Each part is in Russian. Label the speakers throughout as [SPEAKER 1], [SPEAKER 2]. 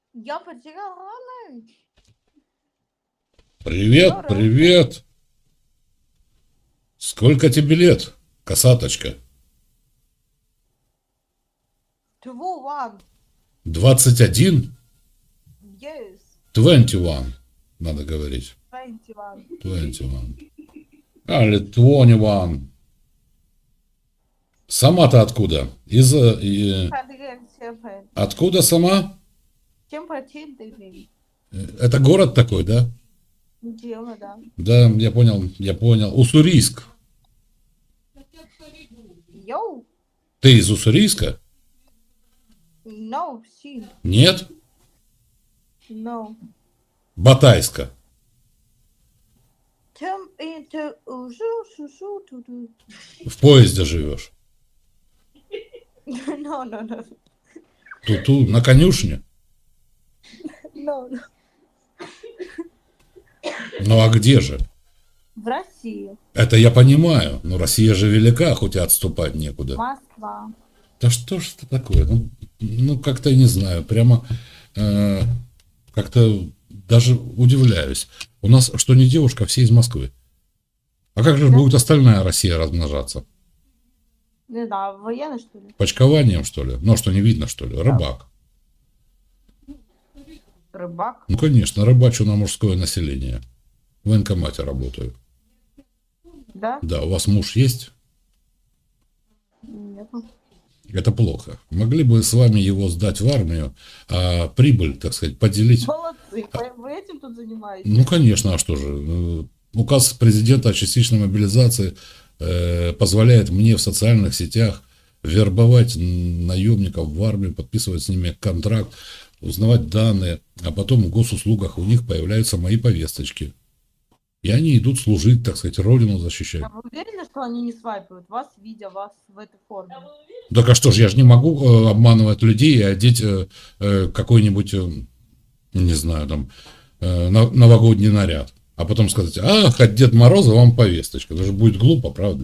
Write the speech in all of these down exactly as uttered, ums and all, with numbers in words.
[SPEAKER 1] Я потеряла.
[SPEAKER 2] Привет,
[SPEAKER 1] Здорово.
[SPEAKER 2] привет. Сколько тебе лет, косаточка?
[SPEAKER 1] Two one.
[SPEAKER 2] двадцать один?
[SPEAKER 1] Yes.
[SPEAKER 2] двадцать один, надо говорить.
[SPEAKER 1] Twenty one.
[SPEAKER 2] двадцать один. Али, двадцать один. Сама-то откуда? Из... э, и- Откуда сама?
[SPEAKER 1] Чем починили?
[SPEAKER 2] Э, Это город такой, да?
[SPEAKER 1] Дело, да.
[SPEAKER 2] Да, я понял, я понял. Уссурийск.
[SPEAKER 1] Йоу.
[SPEAKER 2] Ты из Уссурийска?
[SPEAKER 1] No, she.
[SPEAKER 2] Нет?
[SPEAKER 1] No.
[SPEAKER 2] Батайска.
[SPEAKER 1] Чем это уже сушу туду.
[SPEAKER 2] В поезде живешь.
[SPEAKER 1] No, no, no.
[SPEAKER 2] Ту-ту, на конюшне.
[SPEAKER 1] No, no.
[SPEAKER 2] Ну а где же?
[SPEAKER 1] В России.
[SPEAKER 2] Это я понимаю, но Россия же велика, хоть и отступать некуда.
[SPEAKER 1] Москва.
[SPEAKER 2] Да что ж это такое? Ну, ну как-то не знаю, прямо э, как-то даже удивляюсь. У нас что не девушка, все из Москвы. А как же
[SPEAKER 1] Да.
[SPEAKER 2] будет остальная Россия размножаться?
[SPEAKER 1] Не знаю, военный, что ли?
[SPEAKER 2] Почкованием, что ли? Ну, что не видно, что ли? Рыбак.
[SPEAKER 1] Рыбак.
[SPEAKER 2] Ну, конечно, рыбачу на мужское население. В военкомате работаю.
[SPEAKER 1] Да?
[SPEAKER 2] Да, у вас муж есть?
[SPEAKER 1] Нет.
[SPEAKER 2] Это плохо. Могли бы с вами его сдать в армию, а прибыль, так сказать, поделить.
[SPEAKER 1] Молодцы. Вы этим тут занимаетесь?
[SPEAKER 2] Ну, конечно, а что же? Указ президента о частичной мобилизации э, позволяет мне в социальных сетях вербовать наемников в армию, подписывать с ними контракт, узнавать данные, а потом в госуслугах у них появляются мои повесточки. И они идут служить, так сказать, родину защищать.
[SPEAKER 1] А вы уверены, что они не свайпают вас, видя вас в этой форме?
[SPEAKER 2] Так а что ж, я же не могу э, обманывать людей и одеть э, э, какой-нибудь, э, не знаю, там, э, на- новогодний наряд. А потом сказать, ах, от Деда Мороза вам повесточка. Это же будет глупо, правда?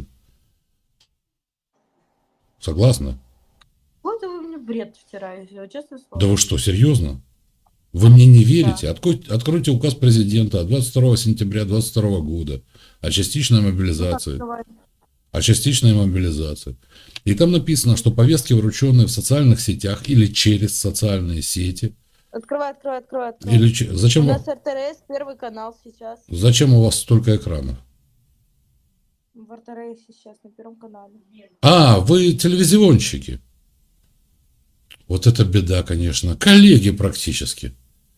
[SPEAKER 2] Согласна?
[SPEAKER 1] Вот вы мне бред втираете, честное слово.
[SPEAKER 2] Да вы что, серьезно? Вы мне не верите? Откройте, откройте указ президента от двадцать второго сентября двадцать второго года о частичной мобилизации. О частичной мобилизации. И там написано, что повестки, врученные в социальных сетях или через социальные сети.
[SPEAKER 1] Открывай, открывай, открывай, открывай.
[SPEAKER 2] Или че-
[SPEAKER 1] У
[SPEAKER 2] зачем,
[SPEAKER 1] нас
[SPEAKER 2] вы-
[SPEAKER 1] эр тэ эр эс первый канал сейчас.
[SPEAKER 2] зачем у вас столько экранов?
[SPEAKER 1] В эр тэ эр эс сейчас на первом канале.
[SPEAKER 2] А, вы телевизионщики. Вот это беда, конечно. Коллеги практически.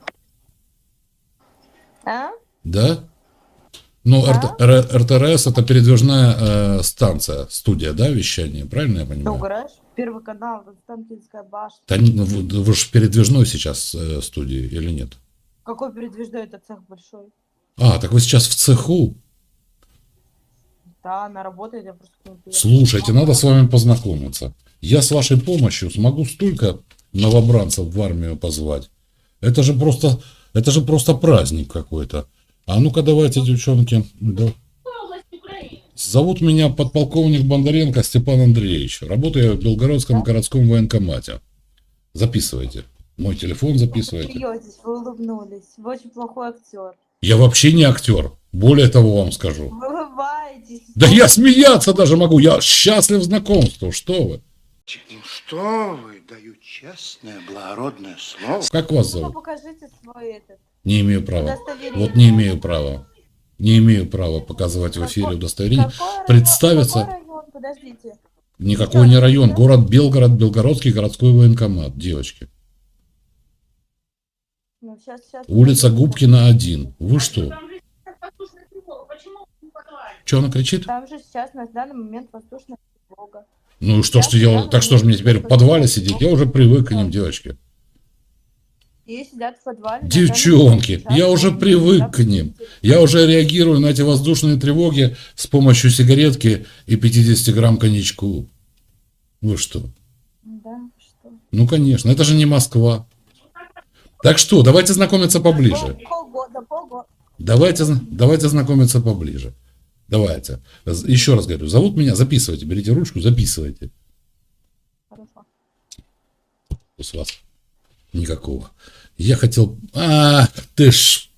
[SPEAKER 1] А?
[SPEAKER 2] Да? Ну,
[SPEAKER 1] Да.
[SPEAKER 2] эр тэ эр эс это передвижная э, станция, студия, да, вещания, правильно я
[SPEAKER 1] Ты
[SPEAKER 2] понимаю?
[SPEAKER 1] угораешь? Первый канал, Константинская башня.
[SPEAKER 2] Да, не- ну, вы, вы же передвижной сейчас э, студии или нет?
[SPEAKER 1] Какой передвижной это цех большой?
[SPEAKER 2] А, так вы сейчас в цеху.
[SPEAKER 1] Да, она работает, я просто к ней приехала.
[SPEAKER 2] Слушайте, надо с вами познакомиться. Я с вашей помощью смогу столько новобранцев в армию позвать. Это же просто, это же просто праздник какой-то. А ну-ка давайте, девчонки. Да. Зовут меня подполковник Бондаренко Степан Андреевич. Работаю я в Белгородском городском военкомате. Записывайте. Мой телефон
[SPEAKER 1] Вы
[SPEAKER 2] записывайте.
[SPEAKER 1] смеетесь, вы улыбнулись. Вы очень плохой актер.
[SPEAKER 2] Я вообще не актер. Более того вам скажу.
[SPEAKER 1] Вы улыбаетесь.
[SPEAKER 2] Да я смеяться даже могу. Я счастлив знакомству. Что вы?
[SPEAKER 3] Ну что вы, даю честное, благородное слово.
[SPEAKER 2] Как вас
[SPEAKER 1] Ну-ка
[SPEAKER 2] зовут?
[SPEAKER 1] покажите свой этот.
[SPEAKER 2] Не имею права.
[SPEAKER 1] Удостоверение.
[SPEAKER 2] Вот не имею права. Не имею права показывать в эфире
[SPEAKER 1] Какой-
[SPEAKER 2] удостоверение.
[SPEAKER 1] Какой район?
[SPEAKER 2] Представиться.
[SPEAKER 1] Какой район? Подождите.
[SPEAKER 2] Никакой не район. Город Белгород, Белгородский городской военкомат. Девочки.
[SPEAKER 1] Ну, сейчас, сейчас.
[SPEAKER 2] Улица Губкина, один. Вы что? Что она кричит?
[SPEAKER 1] Там же сейчас на данный момент воздушная тревога.
[SPEAKER 2] Ну что ж, я, так что ж мне теперь в подвале сидеть? Я уже привык к ним, девочки.
[SPEAKER 1] И сидят в подвале. на
[SPEAKER 2] Девчонки,
[SPEAKER 1] данный момент
[SPEAKER 2] я уже
[SPEAKER 1] сейчас.
[SPEAKER 2] привык к ним. Я уже реагирую на эти воздушные тревоги с помощью сигаретки и пятьдесят грамм коньячку. Вы что?
[SPEAKER 1] Да, что?
[SPEAKER 2] Ну, конечно, это же не Москва. Так что, давайте знакомиться поближе.
[SPEAKER 1] Пол- Полгода, полгода.
[SPEAKER 2] Давайте, зна- давайте знакомиться поближе. Давайте. З- Еще раз говорю, зовут меня, записывайте, берите ручку, записывайте.
[SPEAKER 1] Хорошо.
[SPEAKER 2] С вас. Никакого. Я хотел... А, ты ж...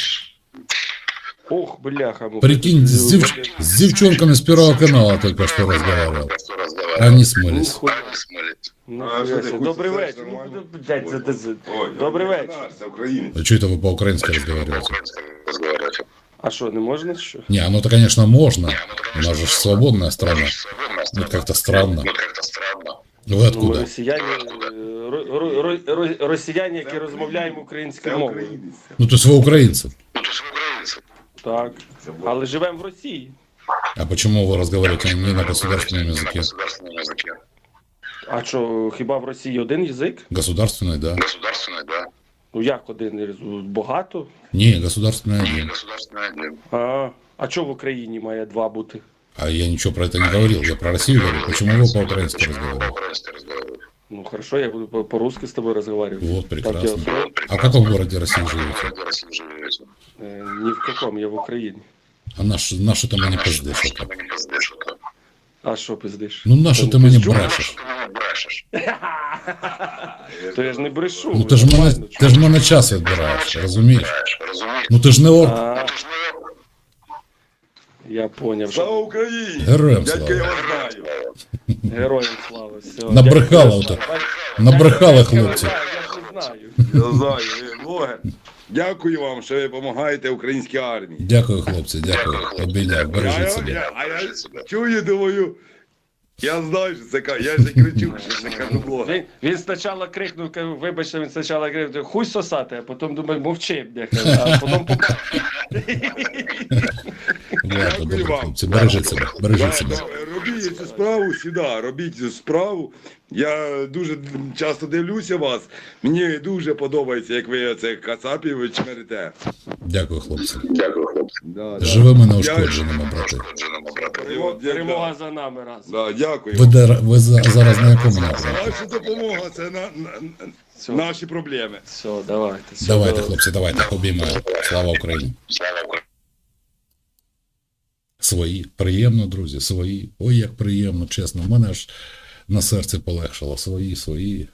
[SPEAKER 4] Ох, бляха. ну,
[SPEAKER 2] Прикинь, с,
[SPEAKER 4] блин,
[SPEAKER 2] дев- с девчонками с Первого канала только что разговаривал. Они смылись.
[SPEAKER 4] Нихуя.
[SPEAKER 5] А що ти,
[SPEAKER 4] Нихуя.
[SPEAKER 5] хуй
[SPEAKER 4] Добрий
[SPEAKER 5] сосеш
[SPEAKER 4] вечір.
[SPEAKER 5] нормально?
[SPEAKER 4] Ну, блядь, це- це- це-
[SPEAKER 5] Ой,
[SPEAKER 4] Добрий
[SPEAKER 5] я
[SPEAKER 4] вечір.
[SPEAKER 5] наш, Це українець.
[SPEAKER 2] А что это вы по-украински разговариваете?
[SPEAKER 4] А що, не можна що?
[SPEAKER 2] Не, оно-то, конечно, можно. У нас же ж свободная страна. Ну, как-то странно. Вы
[SPEAKER 4] Ну, ми
[SPEAKER 2] откуда?
[SPEAKER 4] росіяни, е, ро- ро- ро- ро- росіяни, які розмовляємо
[SPEAKER 5] Це
[SPEAKER 4] українською мовою.
[SPEAKER 5] українець.
[SPEAKER 2] Ну, то есть вы украинцы.
[SPEAKER 4] Так. Але живемо в Росії.
[SPEAKER 2] А почему вы разговариваете не на государственном языке?
[SPEAKER 4] А що, хіба в Росії один язик?
[SPEAKER 2] Государственный, да.
[SPEAKER 4] Ну як один? Багато?
[SPEAKER 2] Не, государственный один.
[SPEAKER 4] А, а чого в Україні має два бути?
[SPEAKER 2] А я ничего про это не говорил. Я про Россию говорю. Почему вы по-украински разговариваете?
[SPEAKER 4] Ну хорошо, я буду по- по-русски с тобой разговаривать.
[SPEAKER 2] Вот,
[SPEAKER 4] Так я
[SPEAKER 2] прекрасно.
[SPEAKER 4] устроен?
[SPEAKER 2] А в каком городе России живете?
[SPEAKER 4] Э, ни в каком, я в Україні.
[SPEAKER 2] А наш, наши там и не пиздишь. это.
[SPEAKER 4] А що пиздиш?
[SPEAKER 2] Ну, наши
[SPEAKER 4] Там
[SPEAKER 2] ты мне
[SPEAKER 4] пизджу?
[SPEAKER 2] брешешь.
[SPEAKER 4] То я ж не брешу.
[SPEAKER 2] Ну, ти ж мене,
[SPEAKER 4] нормально,
[SPEAKER 2] ти ж мене час відбираєш, розумієш? Ну, ти ж не орк.
[SPEAKER 4] А, я поняв.
[SPEAKER 5] Слава
[SPEAKER 4] Що...
[SPEAKER 5] Україні!
[SPEAKER 2] Героям
[SPEAKER 5] Дядька, я
[SPEAKER 2] слава.
[SPEAKER 5] вас знаю.
[SPEAKER 4] Героям слава. Все.
[SPEAKER 2] Набрехали
[SPEAKER 4] Дякую.
[SPEAKER 2] ото.
[SPEAKER 4] Бач-
[SPEAKER 2] Набрехали
[SPEAKER 4] Я-
[SPEAKER 2] хлопці.
[SPEAKER 4] Я ж не знаю.
[SPEAKER 5] Я знаю, ви блогер. Дякую вам, що ви допомагаєте українській армії.
[SPEAKER 2] Дякую, хлопці, дякую. Обійняв,
[SPEAKER 5] А
[SPEAKER 2] бережіть
[SPEAKER 5] я,
[SPEAKER 2] себе.
[SPEAKER 5] я, а я чую, думаю, я знаю, що це кажу, я ж не кричу, що це кажу блогер.
[SPEAKER 4] Він, він спочатку крикнув, кажу, вибачте, він спочатку крикнув, хуй сосати, а потім думаю, мовчи, бляха, а потім побачив.
[SPEAKER 2] Дякую, добре,
[SPEAKER 5] вам.
[SPEAKER 2] хлопці, бережіть себе, бережіть
[SPEAKER 5] Да,
[SPEAKER 2] себе.
[SPEAKER 5] да, робіть цю справу сюди, робіть цю справу. Я дуже часто дивлюся вас. Мені дуже подобається, як ви це кацапів чмерите.
[SPEAKER 2] Дякую, хлопці.
[SPEAKER 5] Да, да.
[SPEAKER 2] Живими неушкодженими, брати.
[SPEAKER 5] Перемога,
[SPEAKER 4] Перемога за нами раз.
[SPEAKER 5] Да, дякую.
[SPEAKER 2] Ви, де, ви за- зараз на якому напрямку?
[SPEAKER 5] Ваша допомога це на, на, на-
[SPEAKER 4] Все,
[SPEAKER 5] наші проблеми.
[SPEAKER 4] все, давайте. Все,
[SPEAKER 2] Давайте,
[SPEAKER 4] давайте.
[SPEAKER 2] хлопці, давайте, обіймаю. Слава Україні. Свої. Приємно, друзі, свої. Ой, як приємно, чесно. В мене аж на серці полегшало. Свої, свої.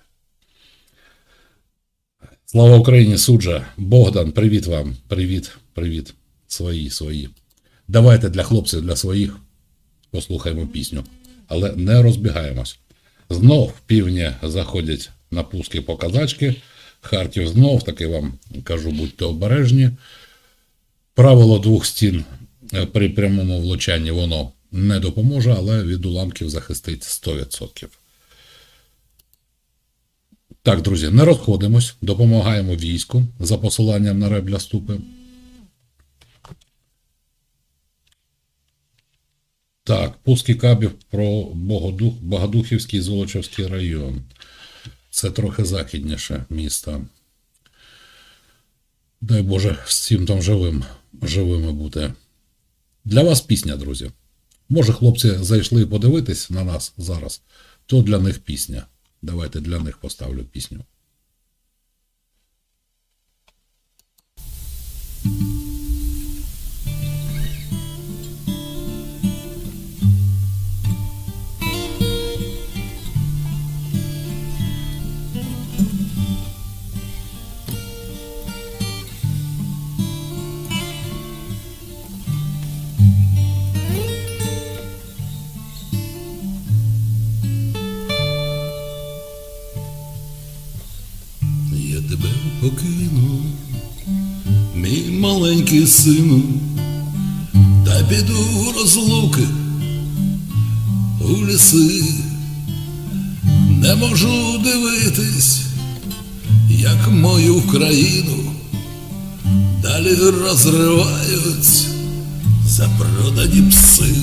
[SPEAKER 2] Слава Україні, суджа. Богдан, привіт вам. Привіт, привіт. Свої, свої. Давайте для хлопців, для своїх послухаємо пісню. Але не розбігаємось. Знов півні заходять на пуски по казачки. Харків знов, таки вам кажу, будьте обережні. Правило двох стін при прямому влучанні воно не допоможе, але від уламків захистить сто відсотків. Так, друзі, не розходимось, допомагаємо війську за посиланням на Ребля Ступи. Так, пуски кабів про Богодух, Богодухівський і Золочівський район. Це трохи західніше місто. Дай Боже, всім там живим, живими бути. Для вас пісня, друзі. Може, хлопці зайшли подивитись на нас зараз, то для них пісня. Давайте для них поставлю пісню.
[SPEAKER 6] Я тебе покину, мій маленький сину, та піду в розлуки у ліси. Не можу дивитись, як мою країну далі розривають запродані пси.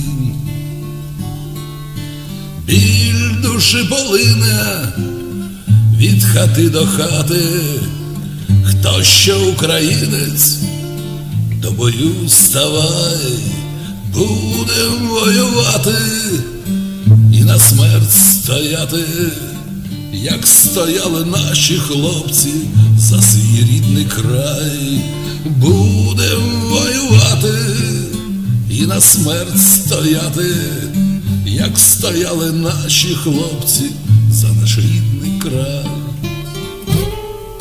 [SPEAKER 6] Біль душі полине від хати до хати, хто що українець, до бою ставай, будем воювати і на смерть стояти, як стояли наші хлопці за свій рідний край. Будем воювати і на смерть стояти, як стояли наші хлопці за наш рідний край.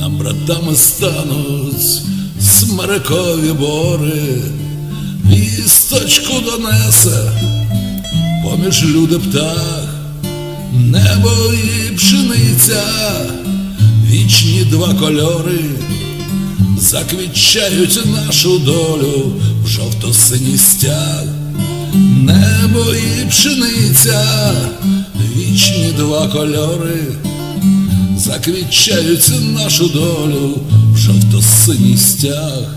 [SPEAKER 6] нам братами стануть смерекові бори, вісточку донесе поміж люди птах, небо і пшениця, вічні два кольори, заквітчають нашу долю в жовто-синій стяг. Небо і пшениця, вічні два кольори, заквітчають нашу долю в жовто-синій стяг.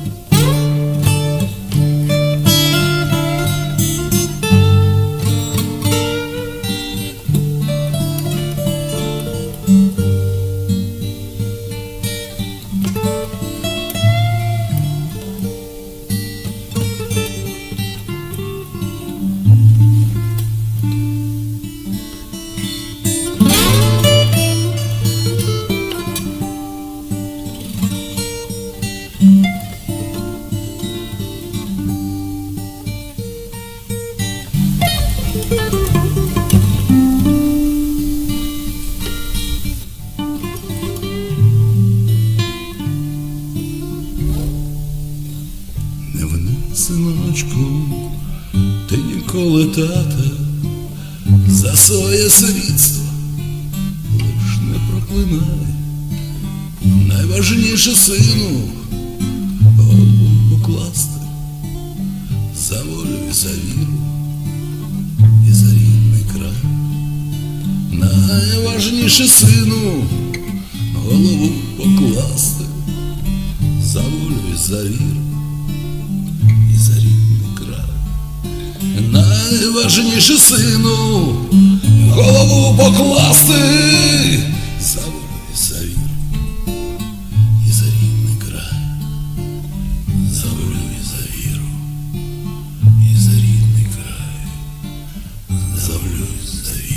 [SPEAKER 6] Не вини, синочку, ти ніколи, тата, за своє світство лиш не проклинай. Найважніше, сину, голову покласти за волю і за віру і за рідний край. Найважніше, сину, голову покласти за волю і за віру і за рідний край. Найважніше, сину, голову покласти за волю і за віру і за рідний край, за волю і за віру і за рідний край, за волю і за віру.